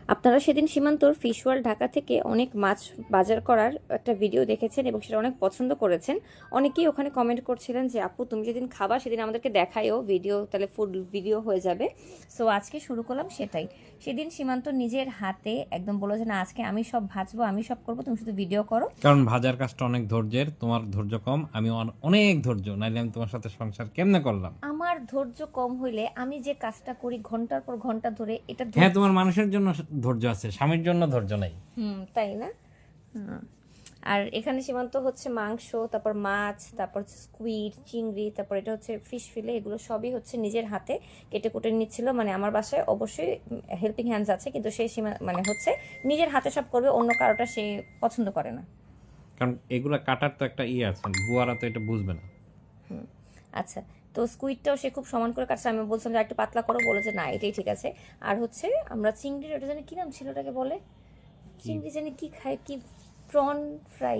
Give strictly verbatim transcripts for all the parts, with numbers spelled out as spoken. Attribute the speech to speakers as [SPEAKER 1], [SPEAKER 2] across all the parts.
[SPEAKER 1] আপনারা সেদিন সীমান্তর fish world Dhaka থেকে অনেক মাছ বাজার করার একটা ভিডিও দেখেছেন এবং সেটা অনেক পছন্দ করেছেন। অনেকেই ওখানে কমেন্ট করছিলেন যে আপু তুমি যেদিন খাবা সেদিন আমাদেরকে দেখাইও ভিডিও, তাহলে ফুড ভিডিও হয়ে যাবে। সো আজকে শুরু করলাম সেটাই। সেদিন সীমান্ত নিজের হাতে একদম বললো যে না আজকে আমি সব ভাজবো, আমি সব করবো, তুমি শুধু ভিডিও করো।
[SPEAKER 2] কারণ ভাজার কাজটা অনেক ধৈর্যের, তোমার ধৈর্য কম, আমি অন- অনেক ধৈর্য, নাইলে আমি তোমার সাথে সংসার কেমনে করলাম।
[SPEAKER 1] আমার ধৈর্য কম হইলে আমি যে কাজটা করি ঘন্টার পর ঘন্টা ধরে, এটা ধৈর্য-
[SPEAKER 2] হ্যাঁ, তোমার মানুষের জন্য ধৈর্য আছে, স্বামীর জন্য ধৈর্য নাই।
[SPEAKER 1] হুম, তাই না? হুম। আর এখানে সীমান্ত হচ্ছে মাংস, তারপর মাছ, তারপর হচ্ছে স্কুইড, চিংড়ি, তারপর এটা হচ্ছে ফিশ ফিলে, এগুলো সবই হচ্ছে নিজের হাতে কেটে কুটে নিচ্ছিল। মানে আমার বাসায় অবশ্যই হেল্পিং হ্যান্ডস আছে, কিন্তু সে সীমা মানে হচ্ছে নিজের হাতে সব করবে, অন্য কারোটা সে পছন্দ করে না।
[SPEAKER 2] কারণ এগুলা কাটার তো একটা ইয়ে আছে, বুয়ারা তো এটা বুঝবে না।
[SPEAKER 1] হুম, আচ্ছা। তো স্কুইডটাও সে খুব সমান করে কাটছে, আমি বলছিলাম যে একটু পাতলা করো, বলে যে না এটাই ঠিক আছে। আর হচ্ছে আমরা চিংড়ির, ওটা জানি কি নাম ছিল, ওটাকে বলে চিংড়ি জানি কি খায়, কি প্রন ফ্রাই,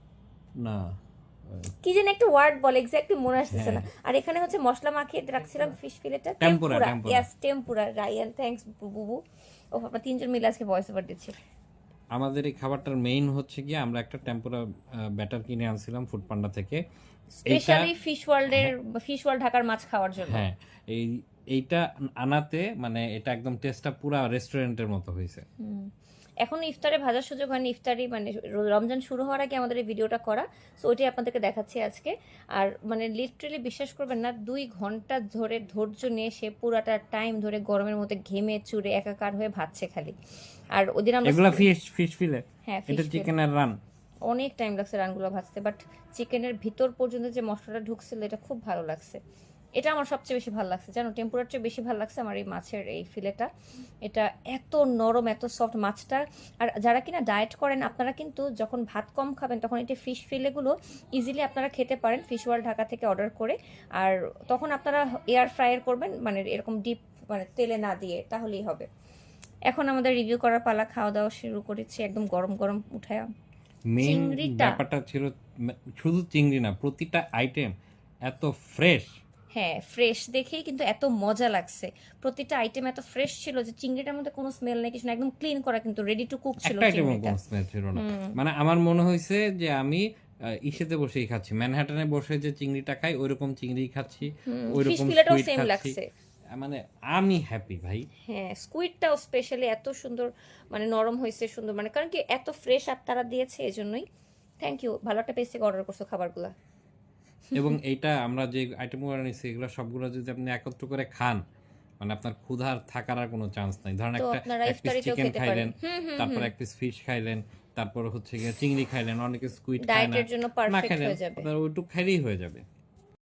[SPEAKER 2] না,
[SPEAKER 1] কি যেন একটা ওয়ার্ড বলে, এক্স্যাক্টলি মনে আসতেছে না।
[SPEAKER 2] হ্যাঁ।
[SPEAKER 1] আর এখানে হচ্ছে মশলা মাখিয়ে রাখছিলাম ফিশ ফিলেটা,
[SPEAKER 2] tempura,
[SPEAKER 1] tempura.
[SPEAKER 2] Tempura.
[SPEAKER 1] Yes, tempura. Rayan, thanks বুবু। ও আমরা তিনজন মিলে আজকে ভয়েস ওভার দিচ্ছি।
[SPEAKER 2] আমাদের এই খাবারটার মেইন হচ্ছে কি, আমরা একটা টেম্পুরা ব্যাটার কিনে আনছিলাম ফুড পান্ডা থেকে। এইটা
[SPEAKER 1] স্পেশালি ফিশ ওয়ার্ল্ডের, ফিশ ওয়ার্ল্ড ঢাকার মাছ খাওয়ার জন্য।
[SPEAKER 2] হ্যাঁ, এই এইটা আনাতে মানে এটা একদম টেস্টটা পুরা রেস্টুরেন্টের মতো হয়েছে।
[SPEAKER 1] হুম। এখন ইফতারে ভাজার সুযোগ হয়নি, ইফতারি মানে র- রমজান শুরু হওয়ার আগে আমাদের এই ভিডিওটা করা। সো ওইটাই আপনাদেরকে দেখাচ্ছি আজকে। আর মানে লিটারেলি বিশ্বাস করবেন না, দুই ঘন্টা ধরে ধৈর্য নিয়ে সে পুরাটা টাইম ধরে গরমের মধ্যে ঘেমে চুরে একাকার হয়ে ভাজছে খালি। আর ওদিন আমরা
[SPEAKER 2] এগুলা ফিশ ফিশ ফিলে,
[SPEAKER 1] হ্যাঁ,
[SPEAKER 2] এটা
[SPEAKER 1] fish fillet।
[SPEAKER 2] চিকেনের রান।
[SPEAKER 1] অনেক টাইম লাগছে রানগুলো ভাজতে, বাট চিকেনের ভিতর পর্যন্ত যে মশলাটা ঢুকছিল এটা খুব ভালো লাগছে। এটা আমার সবচেয়ে বেশি ভালো লাগছে, জানো, টেম্পুরার চেয়ে বেশি ভালো লাগছে আমার এই মাছের এই ফিলেটা। এটা এত নরম, এত সফট মাছটা। আর যারা কিনা ডায়েট করেন, আপনারা কিন্তু যখন ভাত কম খাবেন তখন এই ফিশ ফিলেগুলো ইজিলি আপনারা খেতে পারেন ফিশ ওয়ার্ল্ড ঢাকা থেকে অর্ডার করে। আর তখন আপনারা এয়ার ফ্রায়ার করবেন, মানে এরকম ডিপ, মানে তেলে না দিয়ে, তাহলেই হবে। এখন আমাদের রিভিউ করার পালা, খাওয়া দাওয়া শুরু করেছি একদম গরম গরম উঠায়া।
[SPEAKER 2] মেইন
[SPEAKER 1] চিংড়িটা,
[SPEAKER 2] ব্যাপারটা ছিল ম- শুধু চিংড়ি না, প্রতিটা আইটেম এত ফ্রেশ।
[SPEAKER 1] হ্যাঁ ফ্রেশ দেখেই কিন্তু এত মজা লাগছে। প্রতিটা আইটেম এত ফ্রেশ ছিল যে চিংড়িটার মধ্যে কোনো স্মেল নেই, কিছু না, একদম ক্লিন করা, কিন্তু রেডি টু কুক ছিল
[SPEAKER 2] একটা আইটেমও
[SPEAKER 1] চিংড়িটা।
[SPEAKER 2] কোনো স্মেল ছিল না। মানে আমার মনে হয়েছে যে আমি আহ, ইসেতে বসেই খাচ্ছি, ম্যানহাটনে বসে যে চিংড়িটা খাই ওইরকম চিংড়ি খাচ্ছি,
[SPEAKER 1] ফিশ
[SPEAKER 2] ওইরকম
[SPEAKER 1] ফিলেটাও
[SPEAKER 2] সুইট
[SPEAKER 1] সেম
[SPEAKER 2] খাচ্ছি।
[SPEAKER 1] লাগছে।
[SPEAKER 2] আহ, মানে আমি হ্যাপি ভাই।
[SPEAKER 1] হ্যাঁ, স্কুইডটাও স্পেশালি এত সুন্দর, মানে নরম হয়েছে সুন্দর, মানে কারণ কি এত ফ্রেশ আপনারা দিয়েছে এজন্যই। থ্যাংক ইউ, ভালো একটা পেজ থেকে অর্ডার করছো খাবারগুলো।
[SPEAKER 2] এবং এইটা আমরা যে আইটেমগুলো নিচ্ছি এগুলো সবগুলো যদি আপনি একত্র করে খান, মানে আপনার ক্ষুধার থাকার আর কোনো চান্স নাই। ধরেন
[SPEAKER 1] তো
[SPEAKER 2] একটা
[SPEAKER 1] আপনারা
[SPEAKER 2] এক পিস
[SPEAKER 1] ইফতারিতেও
[SPEAKER 2] চিকেন
[SPEAKER 1] খেতে
[SPEAKER 2] খাইলেন,
[SPEAKER 1] পারেন। হুম হুম
[SPEAKER 2] তারপর
[SPEAKER 1] হুম।
[SPEAKER 2] এক পিস ফিশ খাইলেন, তারপর হচ্ছে গিয়ে চিংড়ি খাইলেন, অনেকে স্কুইড খায় না,
[SPEAKER 1] ডায়েটের জন্য
[SPEAKER 2] না
[SPEAKER 1] পারফেক্ট
[SPEAKER 2] খাইলেন,
[SPEAKER 1] হয়ে যাবে।
[SPEAKER 2] আপনার ওইটুক খাইলেই হয়ে যাবে।